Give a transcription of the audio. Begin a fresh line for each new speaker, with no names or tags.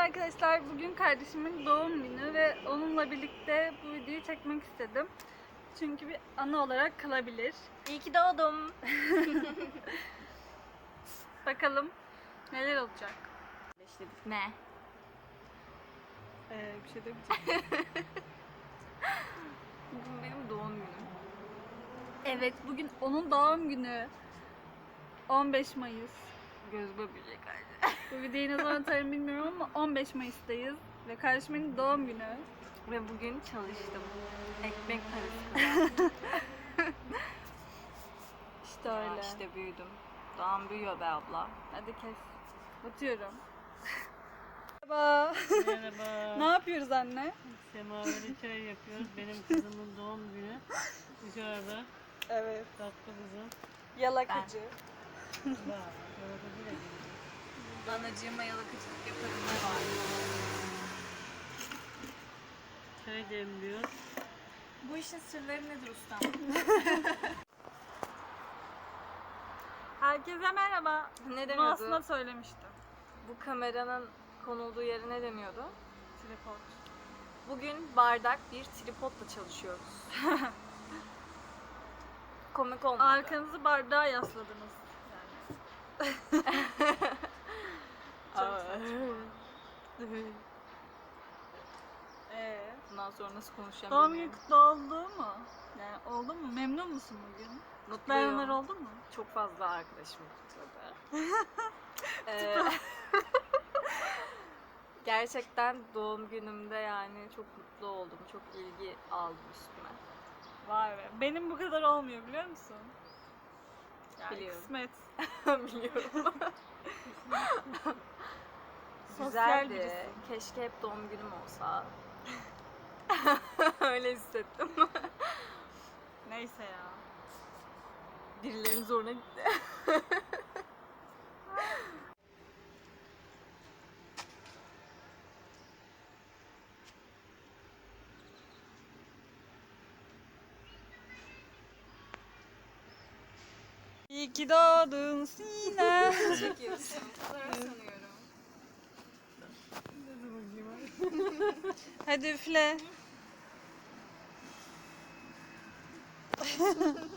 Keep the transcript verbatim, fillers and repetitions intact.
arkadaşlar, bugün kardeşimin doğum günü ve onunla birlikte bu videoyu çekmek istedim. Çünkü bir anı olarak kalabilir.
İyi ki doğdum.
Bakalım neler olacak.
İşledik. Ne?
Ee, bir şey demeyeceğim.
Bugün benim doğum günüm.
Evet, bugün onun doğum günü. on beş Mayıs.
Göz böbrecek halde.
Bu videoyu ne zaman atarım bilmiyorum ama on beş Mayıs'tayız. Ve kardeşimin doğum günü.
Ve bugün çalıştım. Ekmek parası kazandım.
İşte
Ya
öyle.
İşte büyüdüm. Doğan büyüyor be abla.
Hadi kes. Batıyorum. Merhaba.
Merhaba.
Ne yapıyoruz anne?
Semaveri çay yapıyoruz. Benim kızımın doğum günü. Dışarıda
Evet.
tatlı kızım.
Yalakacı.
Var. Orada bile değil.
Anacığıma yalakıcılık yaparım ne var?
Çay demliyor.
Bu işin sırları nedir ustam?
Herkese merhaba.
Ne
Bunu
deniyordu?
aslında söylemiştim.
Bu kameranın konulduğu yere ne deniyordu?
Tripod.
Bugün bardak bir tripodla çalışıyoruz. Komik olmadı.
Arkanızı bardağa yasladınız. Yani. Çok
Aa.
saçma. Ee,
Bundan sonra nasıl konuşacağım
doğum günü
bilmiyorum.
kutlu oldu mu? Yani oldu mu? Memnun musun bugün? Kutlayanlar
Mutluyum.
oldu mu?
Çok fazla arkadaşım kutladı. Ee, gerçekten doğum günümde yani çok mutlu oldum. Çok ilgi aldım üstüme.
Vay be. Benim bu kadar olmuyor biliyor musun? Yani
Biliyorum.
kısmet.
Biliyorum.
Sosyal
Güzeldi.
birisin.
Keşke hep doğum günüm olsa. Öyle hissettim.
Neyse ya.
Birilerinin zoruna gitti.
İyi ki doğdun Sinem.
Çekiyorsun. Fotoğraf sanıyorum.
Hadi üfle.